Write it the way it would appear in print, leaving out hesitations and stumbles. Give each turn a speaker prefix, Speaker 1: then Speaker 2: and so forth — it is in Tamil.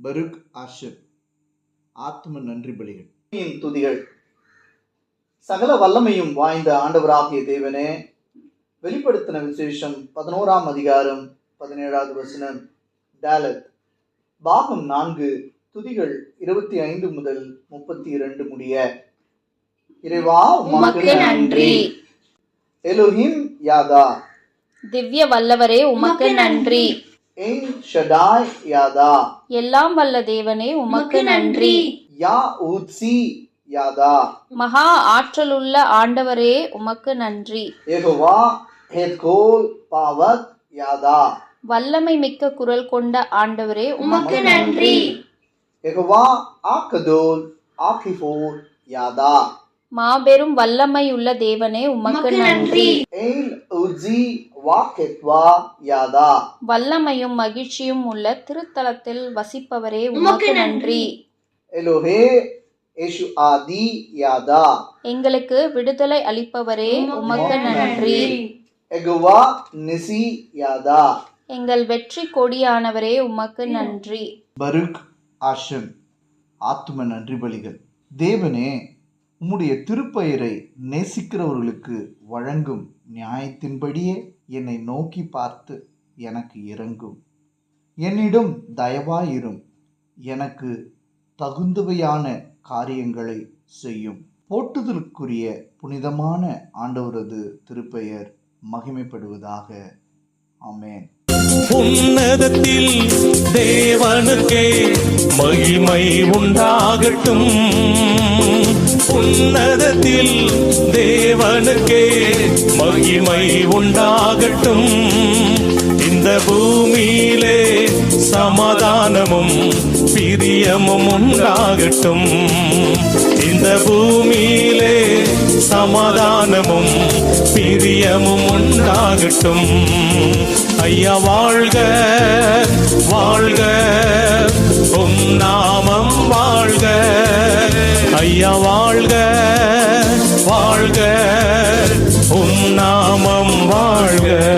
Speaker 1: பருக் ஆஷர். ஆத்ம நன்றி பலிகள்.
Speaker 2: துதிகள். சகல வல்லமையும் வாய்ந்த ஆண்டவராகிய தேவனே, வெளிப்படுத்தின விசேஷம் 11ஆம் அதிகாரம் 17வது வசனம் டாலத் பாகம் 4 துதிகள் 25 முதல் 32 முடிய. இறைவா உமக்கு நன்றி. எலோஹிம் யாதா,
Speaker 3: திவ்ய வல்லவரே உமக்கு நன்றி.
Speaker 2: என் ஷடாய் யாதா,
Speaker 3: எல்லாம் வல்ல தேவனே உமக்கு நன்றி.
Speaker 2: யா ஊத்சி யாதா,
Speaker 3: மகா ஆற்றலுள்ள ஆண்டவரே உமக்கு நன்றி.
Speaker 2: யெகோவா ஹெத்கோல் பாவத் யாதா,
Speaker 3: வல்லமை மிக்க குரல் கொண்ட ஆண்டவரே உமக்கு நன்றி.
Speaker 2: யெகோவா ஆகதோல் ஆகிஃபோர் யாதா,
Speaker 3: மாபெரும் வல்லமையுள்ள தேவனே உமக்கு நன்றி.
Speaker 2: எல் உஜி வாகெத்வா யாதா,
Speaker 3: வல்லமையும் மகிழ்ச்சியும் உள்ள திருத்தலத்தில் வசிப்பவரே உமக்கு நன்றி.
Speaker 2: எலோஹே ஏஷு ஆதி யாதா,
Speaker 3: எங்களுக்கு விடுதலை அளிப்பவரே உமக்கு நன்றி.
Speaker 2: யெகோவா நிசி யாதா,
Speaker 3: எங்கள் வெற்றி கொடியானவரே உமக்கு நன்றி.
Speaker 1: பருக் ஆஷம். ஆத்ம நன்றி பலிகள். தேவனே, உம்முடைய திருப்பெயரை நேசிக்கிறவர்களுக்கு வழங்கும் நியாயத்தின்படியே என்னை நோக்கி பார்த்து எனக்கு இரங்கும். என்னிடம் தயவாயிரும். எனக்கு தகுந்தவையான காரியங்களை செய்யும். போற்றுதலுக்குரிய புனிதமான ஆண்டவரது திருப்பெயர் மகிமைப்படுவதாக. ஆமென்.
Speaker 4: உன்னதத்தில் தேவனுக்கே மகிமை உண்டாகட்டும். உன்னதத்தில் தேவனுக்கே மகிமை உண்டாகட்டும். இந்த பூமியிலே சமாதானமும் பிரியமும் உண்டாகட்டும். இந்த பூமியிலே சமாதானமும் பிரியமும் உண்டாகட்டும். ஐயா வாழ்க வாழ்க, உம் நாமம் வாழ்க. ஐயா வாழ்க வாழ்க, உம் நாமம் வாழ்க.